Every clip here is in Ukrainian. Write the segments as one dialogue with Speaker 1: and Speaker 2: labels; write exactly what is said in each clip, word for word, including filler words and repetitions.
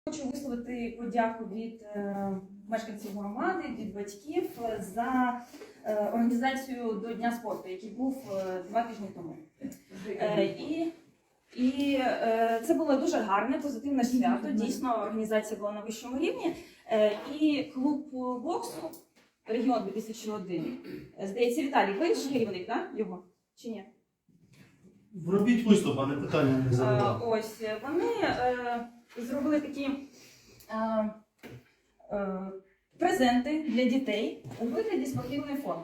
Speaker 1: Хочу висловити подяку від е, мешканців громади, від батьків за е, організацію до Дня спорту, який був е, два тижні тому. Е, і і е, це було дуже гарне, позитивне свято. Дійсно, організація була на вищому рівні. Е, і клуб боксу «Регіон дві тисячі один», здається, Віталій, ви ж керівник, так? Його? Чи ні?
Speaker 2: Робіть виступ, а не питання не задавати.
Speaker 1: Ось, вони е, зробили такі е, е, презенти для дітей у вигляді спортивної форми.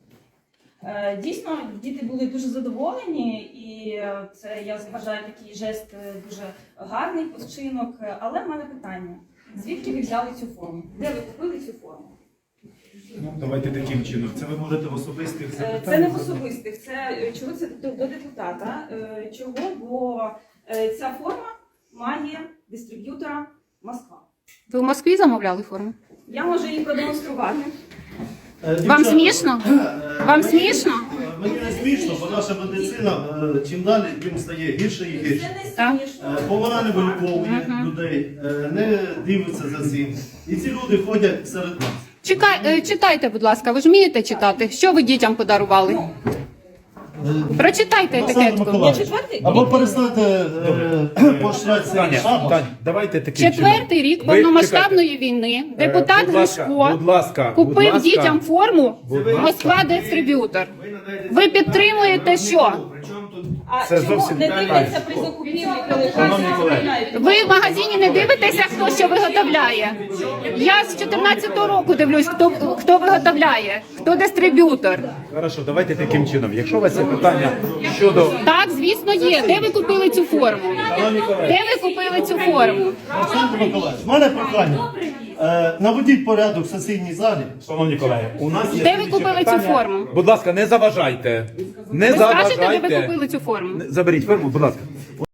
Speaker 1: Е, дійсно, діти були дуже задоволені, і це, я вважаю, такий жест дуже гарний вчинок. Але в мене питання, звідки ви взяли цю форму? Де ви купили цю форму?
Speaker 3: Ну, давайте таким чином. Це ви можете в особистих запитаннях?
Speaker 1: Це не в особистих, це чого це до депутата. Чого? Бо ця форма має дистриб'ютора Москва.
Speaker 4: Ви в Москві замовляли форму?
Speaker 1: Я можу її продемонструвати.
Speaker 2: Е,
Speaker 4: Вам
Speaker 2: дівчата,
Speaker 4: смішно?
Speaker 2: е,
Speaker 4: Вам
Speaker 2: мені-
Speaker 4: смішно?
Speaker 2: е, Мені не смішно, бо наша медицина е, чим далі, тим стає гірше і
Speaker 1: Це
Speaker 2: гірше.
Speaker 1: не
Speaker 4: Так.
Speaker 1: смішно.
Speaker 2: Е, Бо вона не виліковує
Speaker 4: Мгм.
Speaker 2: людей, е, не дивиться за цим. І ці люди ходять серед нас.
Speaker 4: Чекай, е, читайте, будь ласка, ви ж вмієте читати? Що ви дітям подарували?
Speaker 1: Ну,
Speaker 4: Прочитайте
Speaker 2: Олександр
Speaker 4: етикетку.
Speaker 2: Миколаївич,
Speaker 1: четвертий?
Speaker 2: або перестаньте е, поощряти цей
Speaker 3: Таня,
Speaker 2: шабаш.
Speaker 3: Тань, давайте таким
Speaker 4: Четвертий рік
Speaker 3: Ви
Speaker 4: повномасштабної війни
Speaker 3: чекайте.
Speaker 4: депутат
Speaker 3: Е, будь ласка,
Speaker 4: Гришко
Speaker 3: будь ласка,
Speaker 4: купив
Speaker 3: будь ласка.
Speaker 4: дітям форму
Speaker 3: Будь ласка.
Speaker 4: Москва дистриб'ютор. Ви підтримуєте що?
Speaker 1: А
Speaker 3: Це
Speaker 1: чому
Speaker 3: зовсім
Speaker 1: не
Speaker 3: не
Speaker 1: дивляться при закупівлі, коли
Speaker 3: Шановні
Speaker 1: вас
Speaker 3: колеги,
Speaker 1: замовляють?
Speaker 4: Ви в магазині не дивитеся, хто що виготовляє? Я з чотирнадцятого року дивлюсь, хто, хто виготовляє, хто дистриб'ютор.
Speaker 3: Хорошо, давайте таким чином. Якщо у вас є питання щодо...
Speaker 4: Так, звісно, є. Де ви купили цю форму?
Speaker 2: Шановні колеги,
Speaker 4: Де ви купили цю форму?
Speaker 2: Олександр Миколаївич, в мене прохання. Е, Наведіть порядок в сесійній залі.
Speaker 3: Шановні колеги, у нас є...
Speaker 4: Де ви
Speaker 3: слідчі
Speaker 4: купили цю
Speaker 3: питання.
Speaker 4: форму?
Speaker 3: Будь ласка, не заважайте. Не
Speaker 4: Ви скажете, де ви
Speaker 3: заважайте.
Speaker 4: купили цю форму?
Speaker 3: Заберіть форму, будь ласка.